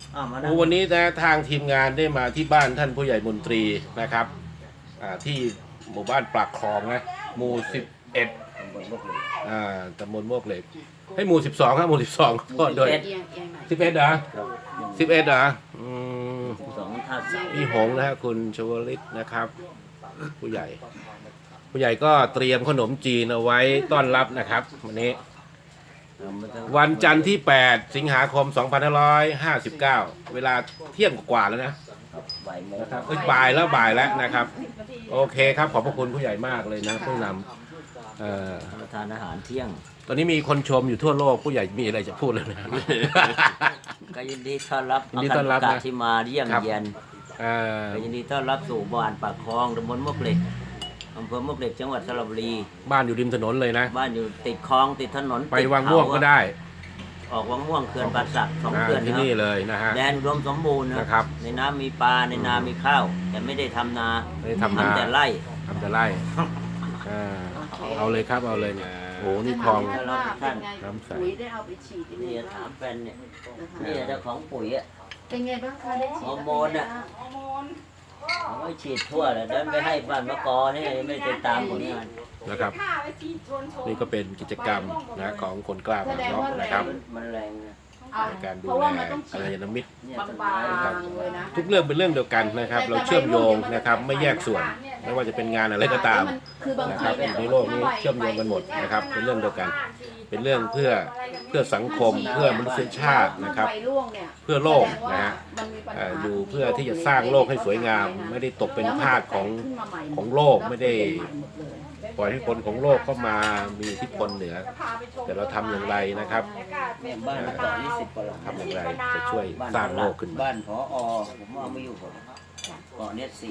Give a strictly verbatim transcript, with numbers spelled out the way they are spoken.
วันนี้นะทางทีมงานได้มาที่บ้านท่านผู้ใหญ่มนตรีนะครับที่หมู่บ้านปากคลองนะหมู่สิบเอ็ดอ่าตำบลโมกเหล็กให้หมู่สิบสองครับหมู่สิบสองโทษด้วยสิบเอ็ดเหรอสิบเอ็ดเหรออืมพี่หงนะฮะคุณชวลิตนะครับผู้ใหญ่ผู้ใหญ่ก็เตรียมขนมจีนเอาไว้ต้อนรับนะครับวันนี้วันจันทร์ที่แปดสิงหาคมสองพันห้าร้อยห้าสิบเก้าเวลาเที่ยงกว่าแล้วนะนะครับเอ้ยบ่ายแล้วบ่ายแล้วนะครับโอเคครับขอบพระคุณผู้ใหญ่มากเลยนะผู้นำเอ่อทานอาหารเที่ยงตอนนี้มีคนชมอยู่ทั่วโลกผู้ใหญ่มีอะไรจะพูดเลยนะก็ยินดีต้อนรับยินดีต้อนรับนะที่มาเยี่ยมเยียนก็ยินดีต้อนรับสู่บ้านปากคลองตำบลมวกเหล็กอำเภอมวกเหล็กจังหวัดสระบุรีบ้านอยู่ริมถนนเลยนะบ้านอยู่ติดคลองติดถนนไปวังม่วงก็ได้ออกวังม่วงเขื่อนป่าสักสองเขื่อนที่นี่เลยนะฮะแดนรวมสมบูรณ์นะครับในน้ำมีปลาในนามีข้าวแต่ไม่ได้ทำนาไม่ได้ทำนาแต่ไร่ทำแต่ไร่เอาเลยครับเอาเลยเนี่ยโอ้นี่คลองท่านน้ำใสปุ๋ยได้เอาไปฉีดนี่ถามแฟนเนี่ยนี่เจ้าของปุ๋ยอ่ะเป็นไงบ้างคะได้ฉีดฮอร์โมนอ่ะเขาไม่ฉีดทั่วเลยเดินไปให้บ้านมะกอนี่ไม่ไปตามผลงานนะครับนี่ก็เป็นกิจกรรมนะของคนกล้าบางนอกนะครับมันแรงในการดูแลกัลยาณมิตรทุกเรื่องเป็นเรื่องเดียวกันนะครับเราเชื่อมโยงนะครับไม่แยกส่วนไม่ว่าจะเป็นงานอะไรก็ตามนะครับในโลกนี้เชื่อมโยงกันหมดนะครับเป็นเรื่องเดียวกันเป็นเรื่องเพื่อเพื่อสังคมเพื่อมนุษยชาตินะครับเพื่อโลกนะฮะอยู่เพื่อที่จะสร้างโลกให้สวยงามไม่ได้ตกเป็นทาสของของโลกไม่ได้ปล่อยให้คนของโลกเข้ามามีอิทธิพลเหนือแต่เราทำอย่างไรนะครับทำอย่างไรจะช่วยสร้างโลกขึ้นมาบ้านผอ.ผมเอามาอยู่เกาะเน็ต